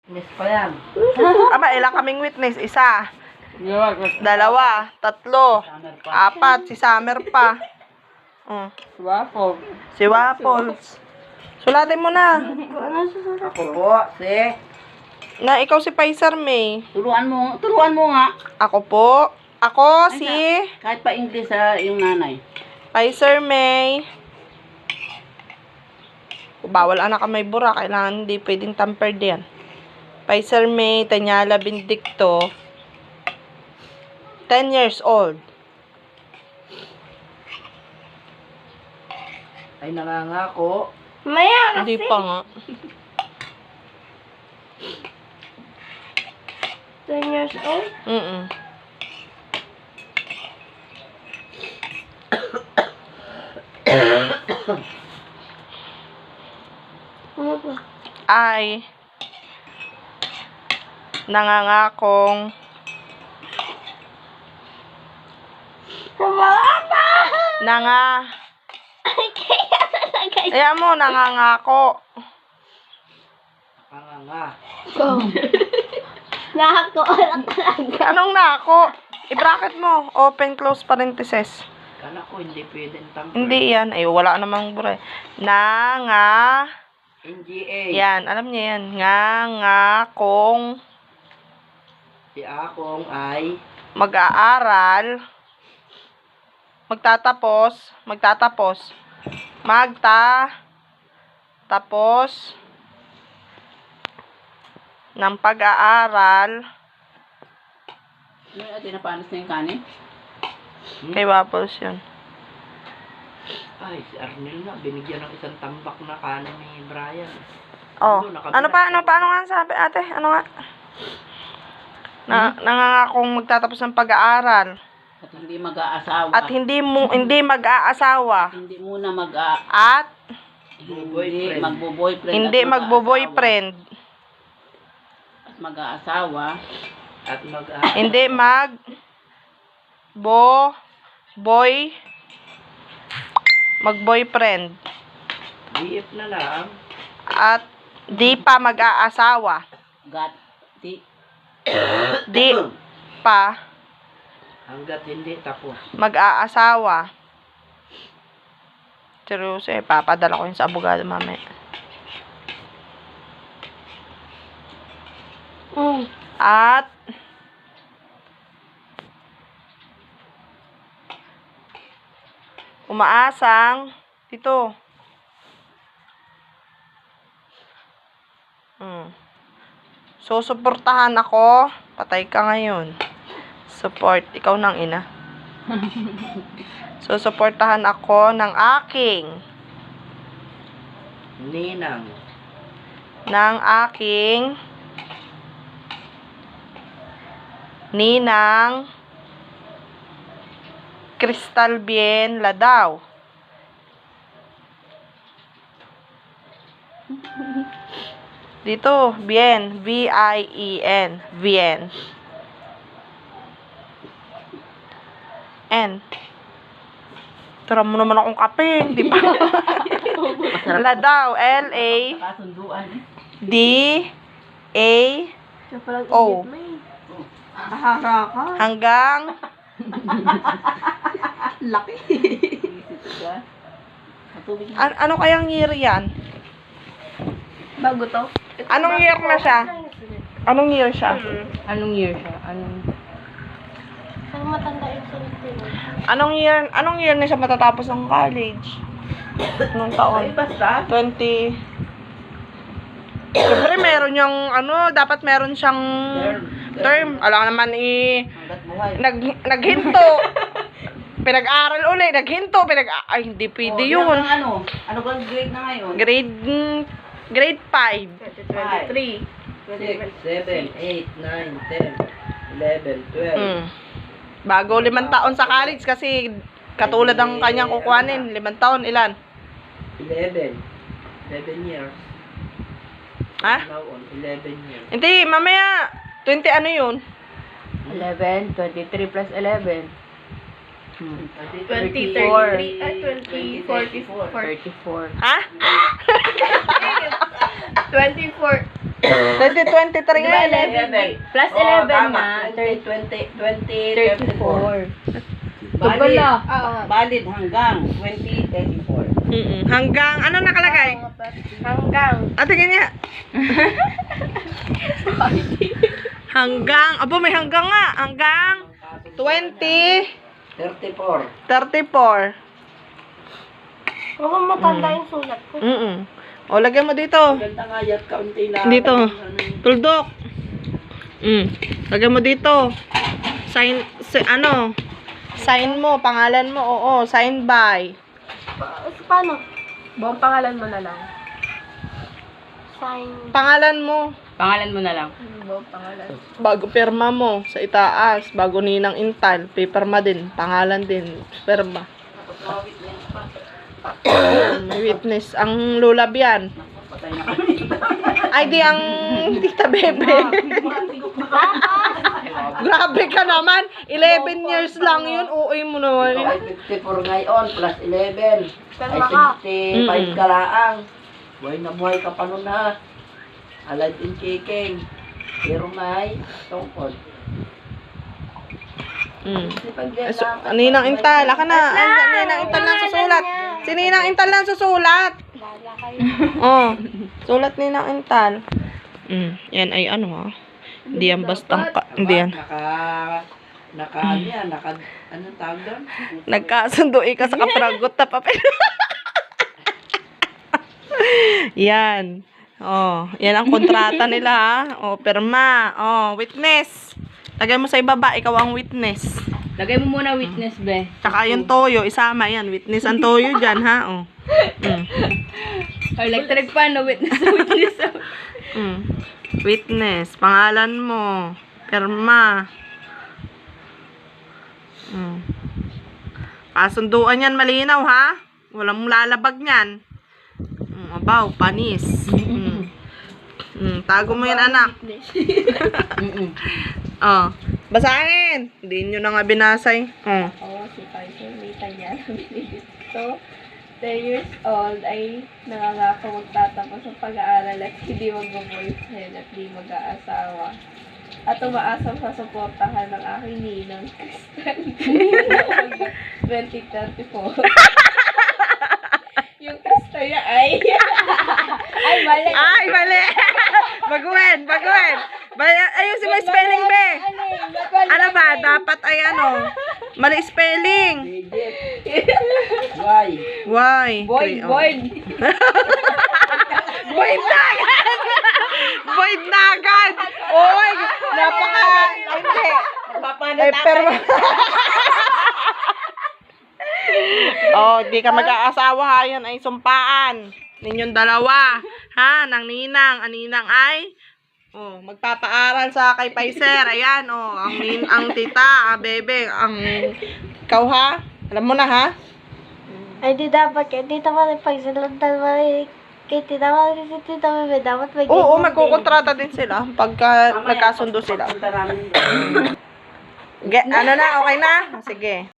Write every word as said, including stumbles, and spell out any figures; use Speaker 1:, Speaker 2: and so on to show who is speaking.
Speaker 1: Miss pa yan.
Speaker 2: Ama, ilang kaming witness? Isa. Dalawa. Tatlo. Apat. Si Summer pa. Oh.
Speaker 3: Si Waffle.
Speaker 2: Si Waffles. Sulatin mo na.
Speaker 1: Ako po, si.
Speaker 2: Na ikaw si Paiser May.
Speaker 1: Turuan mo, turuan mo nga.
Speaker 2: Ako po. Ako si
Speaker 1: Kahit pa English sa yung nanay.
Speaker 2: Paiser May. Bawal anak ka may bura. Kailangan hindi pwedeng tampered yan. Paiser May Tanyala Bindicto. ten years old.
Speaker 1: Ay nangangako.
Speaker 4: Maya
Speaker 2: Hindi pa nga.
Speaker 4: ten years old?
Speaker 2: Mm-mm.
Speaker 4: Ano ba?
Speaker 2: Ay nangangakong
Speaker 4: Sumama pa!
Speaker 2: nanga
Speaker 4: Kaya talaga yun.
Speaker 2: Ayan mo, nangangako.
Speaker 1: Nanganga.
Speaker 4: Go. Nako lang talaga.
Speaker 2: Anong nako? I-bracket mo. Open, close parenthesis.
Speaker 1: Kala ko hindi pwedeng tamper.
Speaker 2: Hindi yan. Ay, wala namang bure. Nanga.
Speaker 1: N G A.
Speaker 2: Yan, alam niya yan. Ngangakong
Speaker 1: Si akong ay
Speaker 2: mag-aaral. Magtatapos. Magtatapos. Magta. Tapos. Ng pag-aaral.
Speaker 1: ano yung atin napanas na yung kanin?
Speaker 2: Kay Waffles yun.
Speaker 1: Ay, si Arnel na. Binigyan ng isang tambak na kanin ni Brian.
Speaker 2: Oh.
Speaker 1: Ano, nakabila-
Speaker 2: Ano pa? Ano pa? Ano nga sabi, ate? Ano nga? Na, nangangakong magtatapos ng pag-aaral.
Speaker 1: At hindi mag-aasawa.
Speaker 2: At hindi mo hindi mag-aasawa.
Speaker 1: hindi muna mag-a...
Speaker 2: At
Speaker 1: Hindi magbo-boyfriend.
Speaker 2: hindi
Speaker 1: at
Speaker 2: magbo-boyfriend.
Speaker 1: mag-aasawa. At mag
Speaker 2: Hindi mag bo boy mag-boyfriend.
Speaker 1: B F na lang.
Speaker 2: At di pa mag-aasawa.
Speaker 1: Gat. Di.
Speaker 2: Di pa
Speaker 1: Hanggat hindi tapos.
Speaker 2: mag-aasawa. Seryoso eh, papadala ko yun sa abogado mamaya.
Speaker 4: Mm.
Speaker 2: At umaasang dito. Hmm. So, suportahan ako. Patay ka ngayon. Support. Ikaw nang ina. So, suportahan ako ng aking
Speaker 1: Ninang.
Speaker 2: ng aking ninang Crystal Bien Ladaw. Dito, Bien, V I E N, Bien. N. Tara mo naman akong kape, di ba? Ladaw, L A
Speaker 1: Kasunduan eh.
Speaker 2: D A
Speaker 4: Siya palang
Speaker 2: Oh.
Speaker 4: idiot mo eh. Ahara ka.
Speaker 2: hanggang
Speaker 4: Laki.
Speaker 1: Matubig na.
Speaker 2: an- ano kayang year yan?
Speaker 4: Bago to?
Speaker 2: Anong year na siya? Anong year siya?
Speaker 3: Anong year siya? Anong...
Speaker 4: Ang matanda yung sunod ko.
Speaker 2: Anong year, anong year na siya matatapos ng college? Anong
Speaker 1: Ay,
Speaker 2: taon?
Speaker 1: basta.
Speaker 2: twenty. Siyempre, meron yung, ano, dapat meron siyang term. Alam naman, i,
Speaker 1: Hanggat buhay.
Speaker 2: nag, naghinto. Pinag-aral uli, naghinto, pinag, ay, hindi pwede
Speaker 1: Oh,
Speaker 2: yun.
Speaker 1: yan ang ano? Ano bang grade na ngayon?
Speaker 2: Grade, mm, grade five.
Speaker 4: twenty twenty-three.
Speaker 1: six, seven, eight, nine, ten, eleven, twelve.
Speaker 2: Mm. Bago limang taon sa college kasi katulad ng kanyang kukuhanin. Limang taon, ilan?
Speaker 1: eleven. eleven years.
Speaker 2: Ha?
Speaker 1: Now on, eleven years.
Speaker 2: Hindi, mamaya, twenty ano yun?
Speaker 3: eleven, twenty-three plus eleven.
Speaker 4: twenty,
Speaker 3: thirty-four.
Speaker 4: thirty-three, ah, twenty, forty-four.
Speaker 3: thirty-four.
Speaker 2: Ha?
Speaker 4: twenty-four,
Speaker 2: twenty twenty-three nga.
Speaker 1: eleven.
Speaker 3: Plus
Speaker 1: Oh,
Speaker 3: eleven
Speaker 1: tama.
Speaker 3: na.
Speaker 1: twenty, twenty, twenty, thirty-four.
Speaker 3: thirty-four.
Speaker 1: Valid,
Speaker 3: Wala.
Speaker 1: valid hanggang twenty thirty-four.
Speaker 2: Mm-mm. Hanggang, ano nakalagay?
Speaker 4: Hanggang.
Speaker 2: Ah, tingin niya. Hanggang, abo may hanggang nga. Hanggang twenty
Speaker 1: thirty-four.
Speaker 2: thirty-four.
Speaker 4: Huwag mong matanda yung sulat ko.
Speaker 2: Mm-mm. O, lagyan mo dito.
Speaker 1: Ganda nga yan, kaunti na.
Speaker 2: Dito.
Speaker 1: Ano,
Speaker 2: Tuldok. Mm. Lagyan mo dito. Sign, si, ano? Sign mo, pangalan mo. Oo, sign by.
Speaker 4: Pa- Paano?
Speaker 3: Buong pangalan mo na lang.
Speaker 4: Sign.
Speaker 2: Pangalan mo.
Speaker 3: Pangalan mo na lang. Buong pangalan.
Speaker 2: Bago pirma mo sa itaas. Bago ninang intal. Paperma din. Pangalan din. Pirma. Oo, may witness. Ang lulab yan.
Speaker 1: patay na kami.
Speaker 2: Ay, di ang tita Bebe. Grabe ka naman. eleven years lang yun. Uy mo naman.
Speaker 1: Ikaw ay fifty-four ngayon, plus eleven. Ay
Speaker 4: Perma ka.
Speaker 1: sixty-five
Speaker 2: Mm-mm.
Speaker 1: ka laang. Buhay na buhay ka pa nun ha. Alad in kicking. Pero may tungkod.
Speaker 2: Mm.
Speaker 1: Sipag
Speaker 2: Eh, So, Ninang Intal, aka na. Andyan, Ninang Intal lang susulat. Si Ninang Intal lang susulat.
Speaker 4: Lala kayo.
Speaker 2: Oh, sulat Ninang Intal. Mm, yan ay ano ha. Hindi yan bastang ka, hindi yan.
Speaker 1: Naka, naka, ano yan, naka, anong tawag doon?
Speaker 2: Nagkasundo ka sa kapragot na papel. Yan. Oh, yan ang kontrata nila ha. Oh, perma. Oh, witness. Lagay mo sa ibaba, ikaw ang witness.
Speaker 3: Lagay mo muna witness, be.
Speaker 2: Tsaka yung toyo, isama yan. Witness ang toyo dyan, ha? Oh. Mm.
Speaker 3: Electric fan, no witness, witness.
Speaker 2: Mm. Witness. Pangalan mo. Perma. Mm. Kasunduan yan, malinaw, ha? Walang lalabag niyan. Mm, abaw, panis. Mm. Mm, tago mo yan, anak.
Speaker 3: Mm-mm.
Speaker 2: Oh. Basahin. Hindi nyo na nga binasay. Oh.
Speaker 4: Oo, si Kaiser, may tanya na binibito. ten years old ay nangangako magtatapos sa pag-aaral at hindi mag-boyfriend at di mag-aasawa. At umaasam sa suportahan ng aking ninang twenty thirty-four. Yung Krista niya ay... ay, mali.
Speaker 2: Ay, mali. Baguhin, baguhin. Ba- ayusin mo yung spelling, be. Ano ba? Dapat ay ano? Mali spelling.
Speaker 1: Digit. Why?
Speaker 2: Why?
Speaker 3: Void,
Speaker 2: Three, oh.
Speaker 3: void.
Speaker 2: Void na agad. Void na agad. Oy, napaka... Hindi. Eh, pero... Oh, di ka mag-aasawa ha. Yan ay sumpaan. Ninyong dalawa. Ha? Nang ninang. Ang ninang ay... Oh, magpapaaral sa kay Paiser. Ayan, oh. Ang, nin, ang tita, ang bebe, ang... Ikaw ha? Alam mo na ha?
Speaker 4: Ay, di dapat kaya di naman pagsalantan mo eh. Kaya di naman si Tita Bebe, dapat may
Speaker 2: Oo,
Speaker 4: ganyan
Speaker 2: magkukontrata din sila pagka nagkasundo sila.
Speaker 1: Punta namin.
Speaker 2: Ge, ano na, okay na? Sige.